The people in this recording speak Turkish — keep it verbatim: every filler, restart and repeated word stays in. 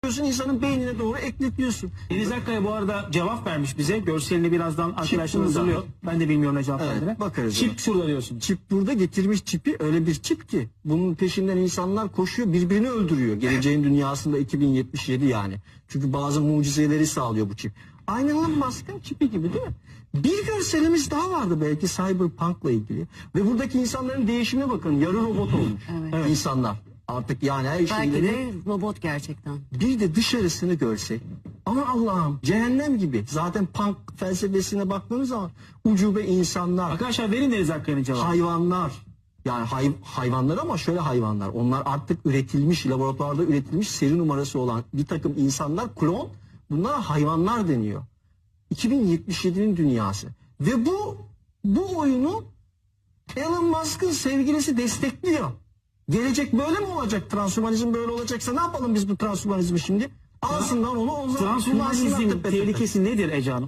insanın beynine doğru ekletiyorsun. Deniz Akkaya bu arada cevap vermiş bize. Görselini birazdan arkadaşlar burada. hazırlıyor. Ben de bilmiyorum ne cevap Evet, verdiğini. bakarız Çip ona. şurada diyorsun. Çip burada, getirmiş çipi, öyle bir çip ki bunun peşinden insanlar koşuyor, birbirini öldürüyor. Geleceğin dünyasında iki bin yetmiş yedi yani. Çünkü bazı mucizeleri sağlıyor bu çip. Aynı Elon Musk'ın çipi gibi değil mi? Bir görselimiz daha vardı belki Cyberpunk'la ilgili. Ve buradaki insanların değişimine bakın. Yarı robot olmuş Evet. insanlar. Artık yani her Belki şeyleri... de robot gerçekten. Bir de dışarısını görsek. Ama Allah'ım cehennem gibi. Zaten punk felsefesine baktığınız zaman ucube insanlar, Arkadaşlar verin Deniz Akkaya'nın cevabı. hayvanlar. Yani hay, hayvanlar ama şöyle hayvanlar. Onlar artık üretilmiş, laboratuvarda üretilmiş seri numarası olan bir takım insanlar, klon. Bunlara hayvanlar deniyor. iki bin yetmiş yedinin dünyası. Ve bu bu oyunu Elon Musk'ın sevgilisi destekliyor. Gelecek böyle mi olacak? Transhumanizm böyle olacaksa ne yapalım biz bu transhumanizmi şimdi? Alsınlar onu, o zaman Transhumanizmin kullansınlar tepe tepe. tehlikesi nedir Ece Hanım?